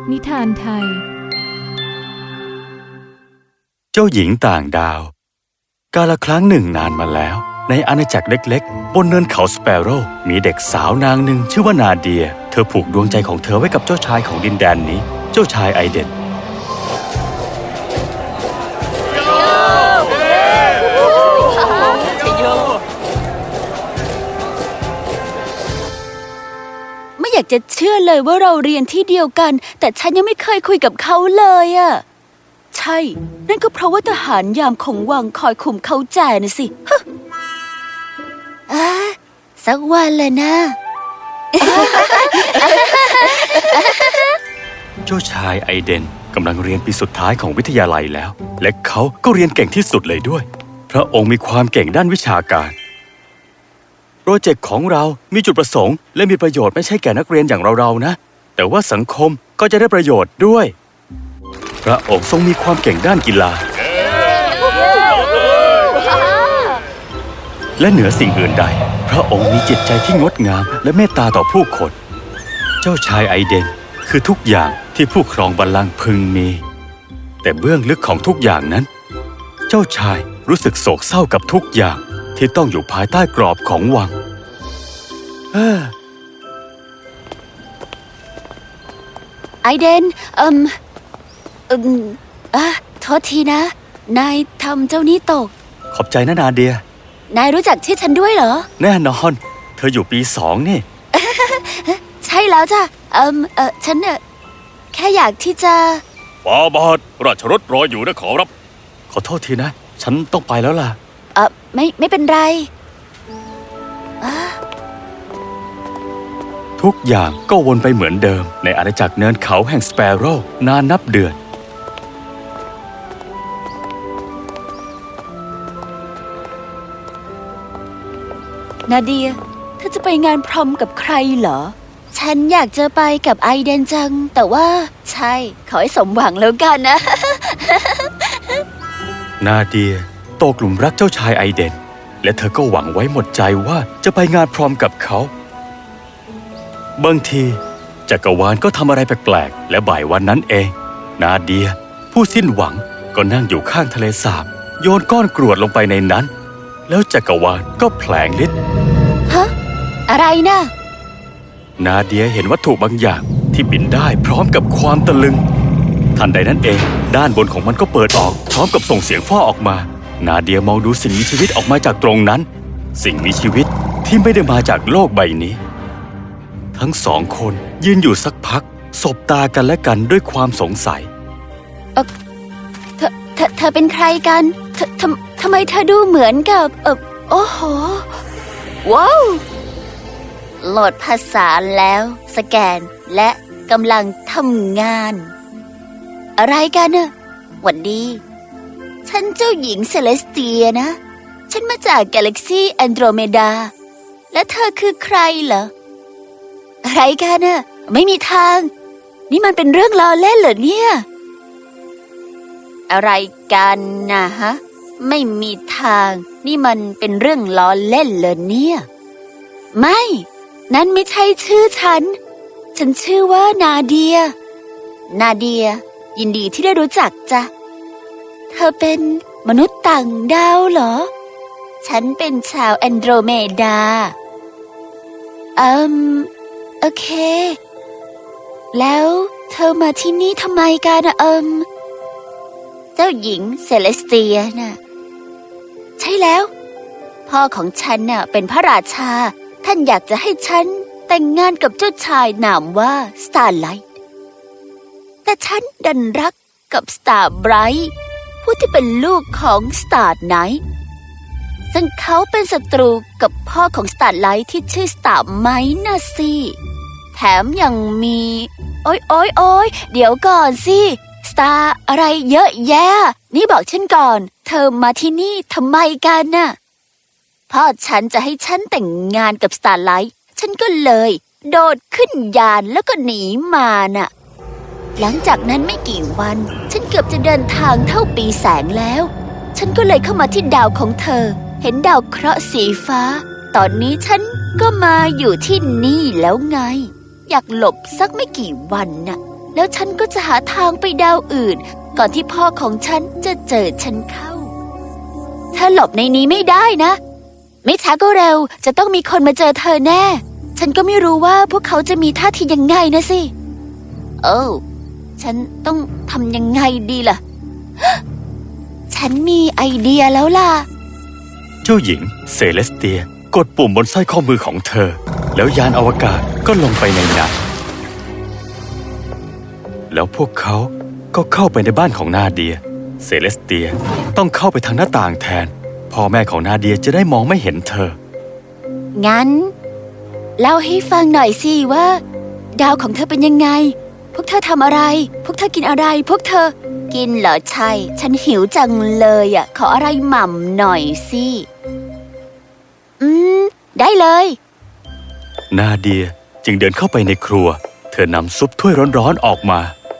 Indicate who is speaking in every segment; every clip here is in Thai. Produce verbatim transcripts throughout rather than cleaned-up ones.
Speaker 1: นิทานไทย
Speaker 2: เจ้าหญิงต่างดาวกาลครั้งหนึ่งนานมาแล้วในอาณาจักรเล็กๆบนเนินเขาสเปโร่มีเด็กสาวนางหนึ่งชื่อว่านาเดียเธอผูกดวงใจของเธอไว้กับเจ้าชายของดินแดนนี้เจ้าชายไอเดน
Speaker 3: ไม่อยากจะเชื่อเลยว่าเราเรียนที่เดียวกันแต่ฉันยังไม่เคยคุยกับเขาเลยอะใช่นั่นก็เพราะว่าทหารยามของวังคอยคุมเขาแจน่ะสิอ่ะสักวันเลยนะ
Speaker 2: เจ้าชายไอเดนกำลังเรียนปีสุดท้ายของวิทยาลัยแล้วและเขาก็เรียนเก่งที่สุดเลยด้วยพระองค์มีความเก่งด้านวิชาการโปรเจกต์ของเรามีจุดประสงค์และมีประโยชน์ไม่ใช่แก่นักเรียนอย่างเราๆนะแต่ว่าสังคมก็จะได้ประโยชน์ด้วยพระองค์ทรงมีความเก่งด้านกีฬาและเหนือสิ่งอื่นใดพระองค์มีจิตใจที่งดงามและเมตตาต่อผู้คนเจ้าชายไอเดนคือทุกอย่างที่ผู้ครองบัลลังก์พึงมีแต่เบื้องลึกของทุกอย่างนั้นเจ้าชายรู้สึกโศกเศร้ากับทุกอย่างที่ต้องอยู่ภายใต้กรอบของวัง
Speaker 3: ไอเดนเอืมเอืมอ่ะโทษทีนะนายทำเจ้านี้ตก
Speaker 2: ขอบใจนะนาเดีย
Speaker 3: นายรู้จักชื่อฉันด้วยเหรอ
Speaker 2: แน่นอนเธออยู่ปีสองนี่
Speaker 3: ใช่แล้วจ้ะเอืมเออฉันเออแค่อยากที่จะ
Speaker 2: ฟาบาทราชรถรออยู่นะขอรับขอโทษทีนะฉันต้องไปแล้วล่ะ
Speaker 3: เออไม่ไม่เป็นไร
Speaker 2: ทุกอย่างก็วนไปเหมือนเดิมในอาณาจักรเนินเขาแห่งสเปโร่นานนับเดือน
Speaker 3: นาเดียเธอจะไปงานพรอมกับใครเหรอฉันอยากจะไปกับไอเดนจังแต่ว่าใช่ขอให้สมหวังแล้วกันนะ
Speaker 2: นาเดียตกหลุมรักเจ้าชายไอเดนและเธอก็หวังไว้หมดใจว่าจะไปงานพรอมกับเขาบางทีจักรวาลก็ทำอะไรแปลกๆและบ่ายวันนั้นเองนาเดียผู้สิ้นหวังก็นั่งอยู่ข้างทะเลสาบโยนก้อนกรวดลงไปในนั้นแล้วจักรวาลก็แผลงฤทธิ์
Speaker 3: ฮะอะไรนะ
Speaker 2: นาเดียเห็นวัตถุบางอย่างที่บินได้พร้อมกับความตะลึงทันใดนั้นเองด้านบนของมันก็เปิดออกพร้อมกับส่งเสียงฟ้าออกมานาเดียมองดูสิ่งมีชีวิตออกมาจากตรงนั้นสิ่งมีชีวิตที่ไม่ได้มาจากโลกใบนี้ทั้งสองคนยืนอยู่สักพักสบตากันและกันด้วยความสงสัย
Speaker 3: เออเธอเธอเธอเป็นใครกันเธอทำทำไมเธอดูเหมือนกับเออโอ้โหว้าวโหลดภาษาแล้วสแกนและกำลังทำงานอะไรกันน่ะหวัดดีฉันเจ้าหญิงเซเลสเตียนะฉันมาจากกาแล็กซี่แอนโดรเมดาและเธอคือใครเหรออะไรกันน่ะไม่มีทางนี่มันเป็นเรื่องล้อเล่นเหรอเนี่ยอะไรกันนะฮะไม่มีทางนี่มันเป็นเรื่องล้อเล่นเหรอเนี่ยไม่นั่นไม่ใช่ชื่อฉันฉันชื่อว่านาเดียนาเดียยินดีที่ได้รู้จักจ้ะเธอเป็นมนุษย์ต่างดาวเหรอฉันเป็นชาวแอนโดรเมดาอืมโอเคแล้วเธอมาที่นี่ทำไมกันนะเอิมเจ้าหญิงเซเลสเตียน่ะใช่แล้วพ่อของฉันน่ะเป็นพระราชาท่านอยากจะให้ฉันแต่งงานกับเจ้าชายนามว่าสตาร์ไลท์แต่ฉันดันรักกับสตาร์ไบรท์ผู้ที่เป็นลูกของสตาร์ไนท์ซึ่งเขาเป็นศัตรูกับพ่อของสตาร์ไลท์ที่ชื่อสตาร์ไมท์น่ะสิแถมยังมีโอ๊ยโอ๊ยโอ๊ยเดี๋ยวก่อนสิสตาร์อะไรเยอะแยะนี่บอกฉันก่อนเธอมาที่นี่ทำไมกันน่ะพ่อฉันจะให้ฉันแต่งงานกับสตาร์ไลท์ฉันก็เลยโดดขึ้นยานแล้วก็หนีมาน่ะหลังจากนั้นไม่กี่วันฉันเกือบจะเดินทางเท่าปีแสงแล้วฉันก็เลยเข้ามาที่ดาวของเธอเห็นดาวเคราะห์สีฟ้าตอนนี้ฉันก็มาอยู่ที่นี่แล้วไงอยากหลบสักไม่กี่วันน่ะแล้วฉันก็จะหาทางไปดาวอื่น ก่อนที่พ่อของฉันจะเจอฉันเข้า ถ้าหลบในนี้ไม่ได้นะ ไม่ช้าก็เร็วจะต้องมีคนมาเจอเธอแน่ ฉันก็ไม่รู้ว่าพวกเขาจะมีท่าทียังไงนะสิโอ้ฉันต้องทำยังไงดีล่ะ ฉันมีไอเดียแล้วล่ะ
Speaker 2: เจ้าหญิงเซเลสเตียกดปุ่มบนสร้อยข้อมือของเธอ แล้วยานอวกาศก็ลงไปในน้ำแล้วพวกเขาก็เข้าไปในบ้านของนาเดียเซเลสเตียต้องเข้าไปทางหน้าต่างแทนพ่อแม่ของนาเดียจะได้มองไม่เห็นเธอ
Speaker 3: งั้นเล่าให้ฟังหน่อยสิว่า ดาวของเธอเป็นยังไง พวกเธอทำอะไร พวกเธอกินอะไร พวกเธอ กินเหรอใช่ ฉันหิวจังเลยอ่ะ ขออะไรหม่ำหน่อยสิอืมได้เลย
Speaker 2: นาเดียจึงเดินเข้าไปในครัวเธอนำซุปถ้วยร้อนๆออกมา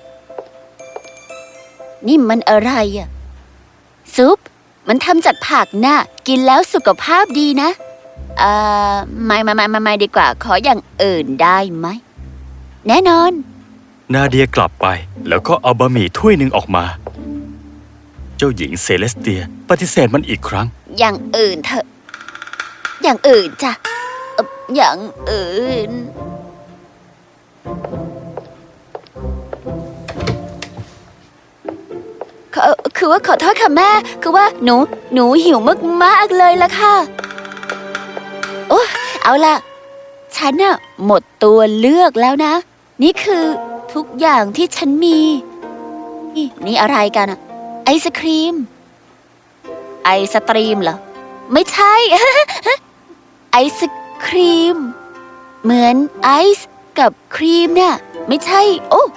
Speaker 3: นี่มันอะไรอ่ะ ซุป มันทำจากผักน่ะ กินแล้วสุขภาพดีนะเอ่อไม่ไม่ไม่ไม่ดีกว่า ขออย่างอื่นได้ไหม แน่นอน
Speaker 2: นาเดียกลับไปแล้วก็เอาบะหมี่ถ้วยหนึ่งออกมา เจ้าหญิงเซเลสเตียปฏิเสธมันอีกครั้ง
Speaker 3: อย่างอื่นเถอะ อย่างอื่นจ้ะเอ่ออย่างอื่น คือคือว่าขอโทษค่ะแม่ คือว่าหนู หนูหิวมากๆเลยล่ะค่ะ โอ้เอาล่ะ ฉันน่ะหมดตัวเลือกแล้วนะ นี่คือทุกอย่างที่ฉันมี นี่นี่อะไรกันอะไอศครีม ไอสตรีมเหรอ ไม่ใช่ ไอศครีม เหมือนไอซ์กับครีมเนี่ย ไม่ใช่ โอ้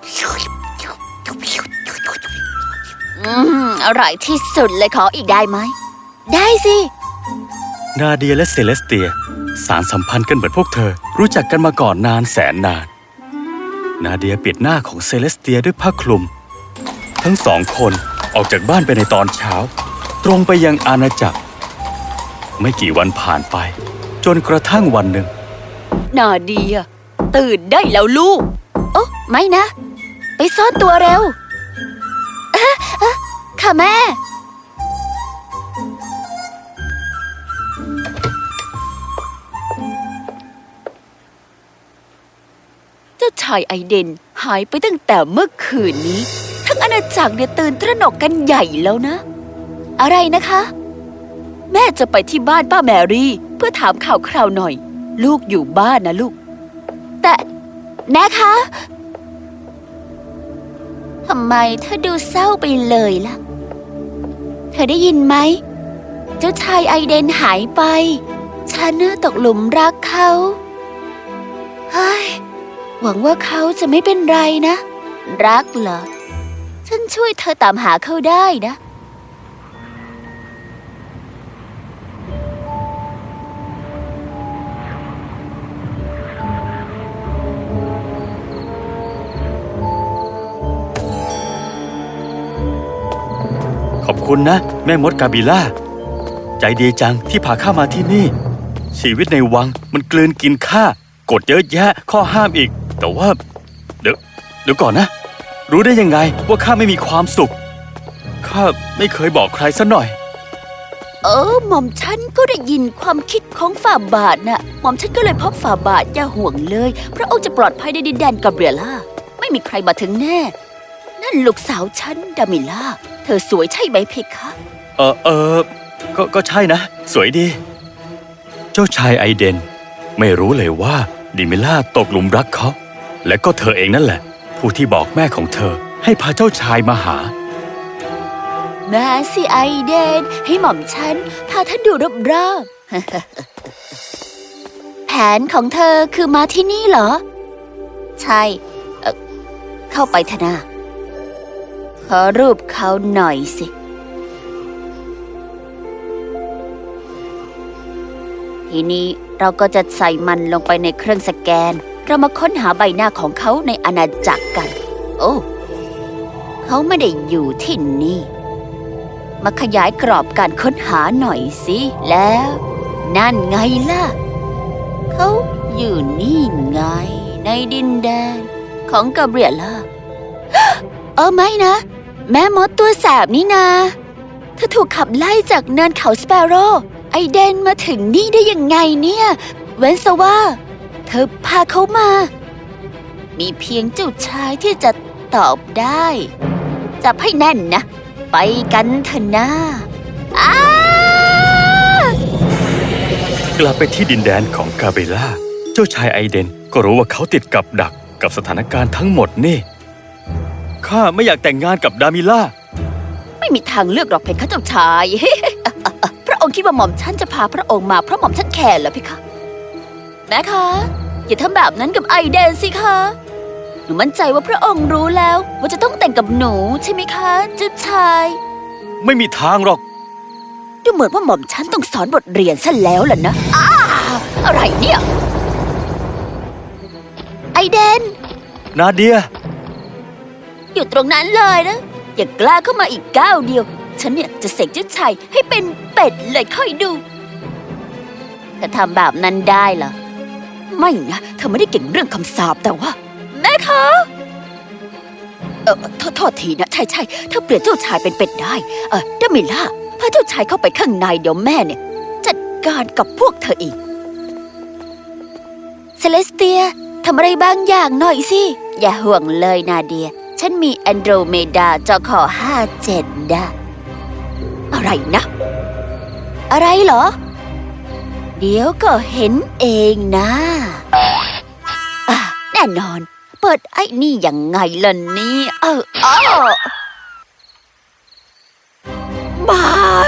Speaker 3: อืมอร่อยที่สุดเลยขออีกได้ไหม ได้สิ
Speaker 2: นาเดียและเซเลสเตียสารสัมพันธ์กันเหมือนพวกเธอรู้จักกันมาก่อนนานแสนนาน นาเดียปิดหน้าของเซเลสเตียด้วยผ้าคลุม ทั้งสองคนออกจากบ้านไปในตอนเช้า ตรงไปยังอาณาจักร ไม่กี่วันผ่านไป จนกระทั่งวันหนึ่ง
Speaker 3: นาเดียตื่นได้แล้วลูก โอ้ไม่นะ ไปซ่อนตัวเร็วอะอะค่ะแม่ เจ้าชายไอเดนหายไปตั้งแต่เมื่อคืนนี้ ทั้งอาณาจักรเนี่ยตื่นตระหนกกันใหญ่แล้วนะ อะไรนะคะ แม่จะไปที่บ้านป้าแมรี่เพื่อถามข่าวคราวหน่อย ลูกอยู่บ้านนะลูก แต่แม่คะทำไมเธอดูเศร้าไปเลยล่ะ เธอได้ยินไหม เจ้าชายไอเดนหายไป ฉันน่ะตกหลุมรักเขาเฮ้ยหวังว่าเขาจะไม่เป็นไรนะ รักเหรอ ฉันช่วยเธอตามหาเขาได้นะ
Speaker 2: ขอบคุณนะ แม่มดกาบิล่า ใจดีจังที่พาข้ามาที่นี่ ชีวิตในวังมันกลืนกินข้ากฎเยอะแยะข้อห้ามอีก แต่ว่า เดี๋ยวเดี๋ยวก่อนนะ รู้ได้ยังไงว่าข้าไม่มีความสุขข้าไม่เคยบอกใครซะหน่อย
Speaker 3: เออหม่อมฉันก็ได้ยินความคิดของฝ่าบาทน่ะ หม่อมฉันก็เลยพบฝ่าบาทอย่าห่วงเลยพระองค์จะปลอดภัยในดินแดนกาเบรียล่าไม่มีใครมาถึงแน่ นั่นลูกสาวฉันดามิล่าเธอสวยใช่ไหมเพคะ
Speaker 2: เออเออก็ก็ใช่นะ สวยดี เจ้าชายไอเดนไม่รู้เลยว่าดิมิล่าตกหลุมรักเขา และก็เธอเองนั่นแหละ ผู้ที่บอกแม่ของเธอให้พาเจ้าชายมาหา
Speaker 3: มาสิไอเดนให้หม่อมฉันพาท่านดูรอบๆ แผนของเธอคือมาที่นี่เหรอ ใช่เอ่อเข้าไปเถอะนะขอรูปเขาหน่อยสิ ทีนี้เราก็จะใส่มันลงไปในเครื่องสแกน เรามาค้นหาใบหน้าของเขาในอาณาจักรกัน โอ้เขาไม่ได้อยู่ที่นี่ มาขยายกรอบการค้นหาหน่อยสิ แล้ว นั่นไงล่ะ เขาอยู่นี่ไง ในดินแดนของกาเบรียล่า เออไม่นะ แม่มดตัวแสบนี่นาเธอถูกขับไล่จากเนินเขาสเปโร่ไอเดนมาถึงนี่ได้ยังไงเนี่ย เว้นซะว่า เธอพาเขามา มีเพียงเจ้าชายที่จะตอบได้จับให้แน่นนะ ไปกันเถอะนะอ้าก
Speaker 2: ลับไปที่ดินแดนของกาเบล่าเจ้าชายไอเดนก็รู้ว่าเขาติดกับดักกับสถานการณ์ทั้งหมดนี่ข้าไม่อยากแต่งงานกับดามิล่า
Speaker 3: ไม่มีทางเลือกหรอกเพคะเจ้าชาย พระองค์คิดว่าหม่อมฉันจะพาพระองค์มาเพราะหม่อมฉันแคร์เหรอเพคะแม่คะอย่าทำแบบนั้นกับไอเดนสิคะหนูมั่นใจว่าพระองค์รู้แล้วว่าจะต้องแต่งกับหนูใช่ไหมคะเจ้าชาย
Speaker 2: ไม่มีทางหรอก
Speaker 3: ดูเหมือนว่าหม่อมฉันต้องสอนบทเรียนซะแล้วล่ะนะอ้าอะไรเนี่ย ไอเดน
Speaker 2: นาเดีย
Speaker 3: อยู่ตรงนั้นเลยนะ อย่ากล้าเข้ามาอีกก้าวเดียว ฉันเนี่ยจะเสกเจ้าชายให้เป็นเป็ดเลยค่อยดูถ้าทำแบบนั้นได้เหรอไม่นะเธอไม่ได้เก่งเรื่องคำสาปแต่ว่าแม่คะเออโทษโทษทีนะใช่ใช่เธอเปลี่ยนเจ้าชายเป็นเป็ดได้เออดามิล่าพาเจ้าชายเข้าไปข้างในเดี๋ยวแม่เนี่ยจัดการกับพวกเธออีกเซเลสเตียทำอะไรบางอย่างหน่อยสิอย่าห่วงเลยนาเดียฉันมีแอนโดรเมดาจอคอห้าเจ็ดนะอะไรนะอะไรเหรอเดี๋ยวก็เห็นเองนะอ่ะแน่นอนเปิดไอ้นี่ยังไงล่ะนี่เออเออไม่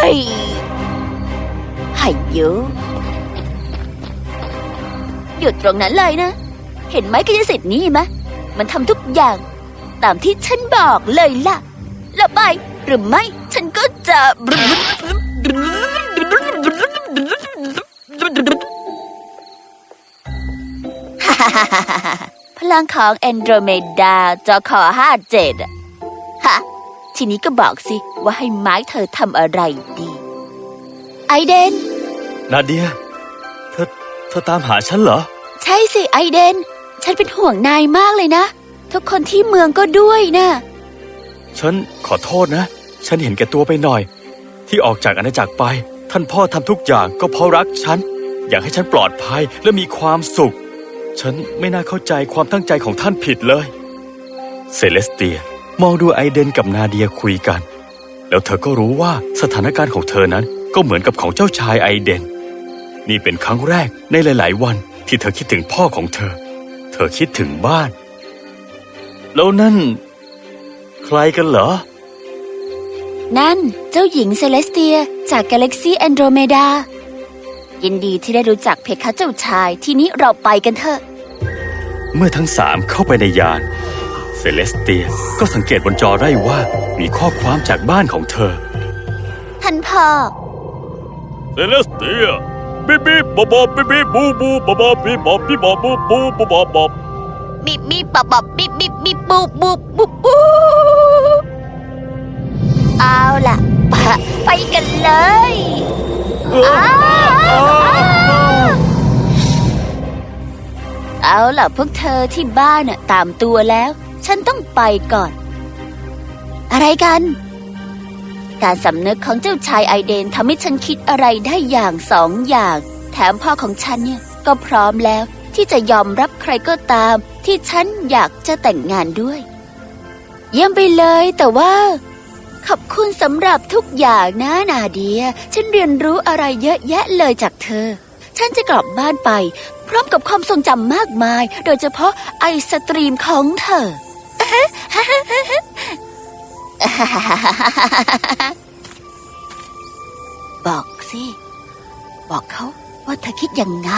Speaker 3: ให้เยอะหยุดตรงนั้นเลยนะเห็นไหมกายสิทธิ์นี่ไหมมันทำทุกอย่างตามที่ฉันบอกเลยล่ะแล้วไปหรือไม่ฉันก็จะ พลังของแอนโดรเมดาจอคอห้าเจ็ดอะฮะทีนี้ก็บอกสิว่าให้ไม้เธอทำอะไรดีไอเดน
Speaker 2: นาเดีย เธอ เธอตามหาฉันเหรอ
Speaker 3: ใช่สิไอเดนฉันเป็นห่วงนายมากเลยนะทุกคนที่เมืองก็ด้วยนะ
Speaker 2: ฉันขอโทษนะ ฉันเห็นแก่ตัวไปหน่อย ที่ออกจากอาณาจักรไป ท่านพ่อทำทุกอย่างก็เพราะรักฉัน อยากให้ฉันปลอดภัยและมีความสุข ฉันไม่น่าเข้าใจความตั้งใจของท่านผิดเลย เซเลสเตียมองดูไอเดนกับนาเดียคุยกัน แล้วเธอก็รู้ว่าสถานการณ์ของเธอนั้นก็เหมือนกับของเจ้าชายไอเดน นี่เป็นครั้งแรกในหลายๆวันที่เธอคิดถึงพ่อของเธอ เธอคิดถึงบ้าน แล้วนั่นใครกันเหรอ
Speaker 3: นั่นเจ้าหญิงเซเลสเตียจากกาแล็กซีแอนโดรเมดายินดีที่ได้รู้จักเพคะเจ้าชายทีนี้เราไปกันเถอะ
Speaker 2: เมื่อทั้งสามเข้าไปในยานเซเลสเตียก็สังเกตบนจอได้ว่ามีข้อความจากบ้านของเธอ
Speaker 3: ท่านพ่อ
Speaker 2: เซเลสเตียบีบีบอบอบบีบีบูบูบอบอบบีบอบบีบอบบูบูบูบอบอบ
Speaker 3: บีบีบอบอบบีบีบีบูบูบูบูเอาล่ะไปกันเลยเอาล่ะพวกเธอที่บ้านน่ะตามตัวแล้วฉันต้องไปก่อนอะไรกันการสำนึกของเจ้าชายไอเดนทำให้ฉันคิดอะไรได้อย่างสองอย่างแถมพ่อของฉันเนี่ยก็พร้อมแล้วที่จะยอมรับใครก็ตามที่ฉันอยากจะแต่งงานด้วยเยี่ยมไปเลยแต่ว่าขอบคุณสำหรับทุกอย่างนะนาเดียฉันเรียนรู้อะไรเยอะแยะเลยจากเธอฉันจะกลับบ้านไปพร้อมกับความทรงจำมากมายโดยเฉพาะไอสตรีมของเธอ บอกสิบอกเขาว่าเธอคิดยังไง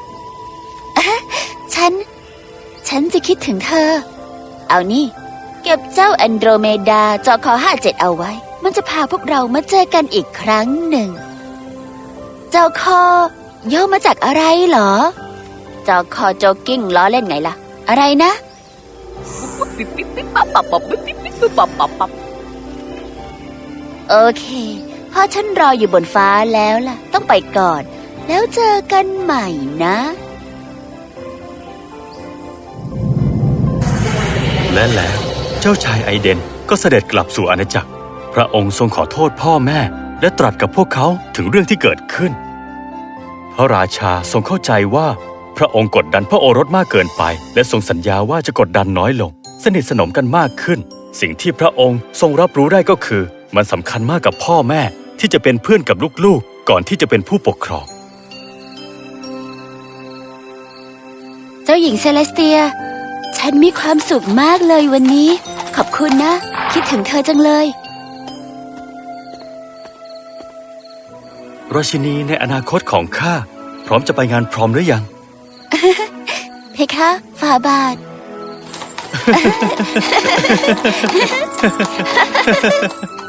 Speaker 3: ฉันฉันจะคิดถึงเธอเอานี่เก็บเจ้าแอนโดรเมดาจอคอห้าเจ็ดเอาไว้มันจะพาพวกเรามาเจอกันอีกครั้งหนึ่งเจ้าคอย่อมาจากอะไรเหรอเจ้าคอโจกิ้งล้อเล่นไงล่ะอะไรนะโอเคพ่อฉันรออยู่บนฟ้าแล้วล่ะต้องไปก่อนแล้วเจอกันใหม่นะ
Speaker 2: และแล้วเจ้าชายไอเดนก็เสด็จกลับสู่อาณาจักรพระองค์ทรงขอโทษพ่อแม่และตรัสกับพวกเขาถึงเรื่องที่เกิดขึ้นพระราชาทรงเข้าใจว่าพระองค์กดดันพระโอรสมากเกินไปและทรงสัญญาว่าจะกดดันน้อยลงสนิทสนมกันมากขึ้นสิ่งที่พระองค์ทรงรับรู้ได้ก็คือมันสำคัญมากกับพ่อแม่ที่จะเป็นเพื่อนกับลูกๆก่อนที่จะเป็นผู้ปกครอง
Speaker 3: เจ้าหญิงเซเลสเตียฉันมีความสุขมากเลยวันนี้ขอบคุณนะคิดถึงเธอจังเลย
Speaker 2: ราชินีในอนาคตของข้าพร้อมจะไปงานพรอมหรือยัง
Speaker 3: เพคะฝ่าบาท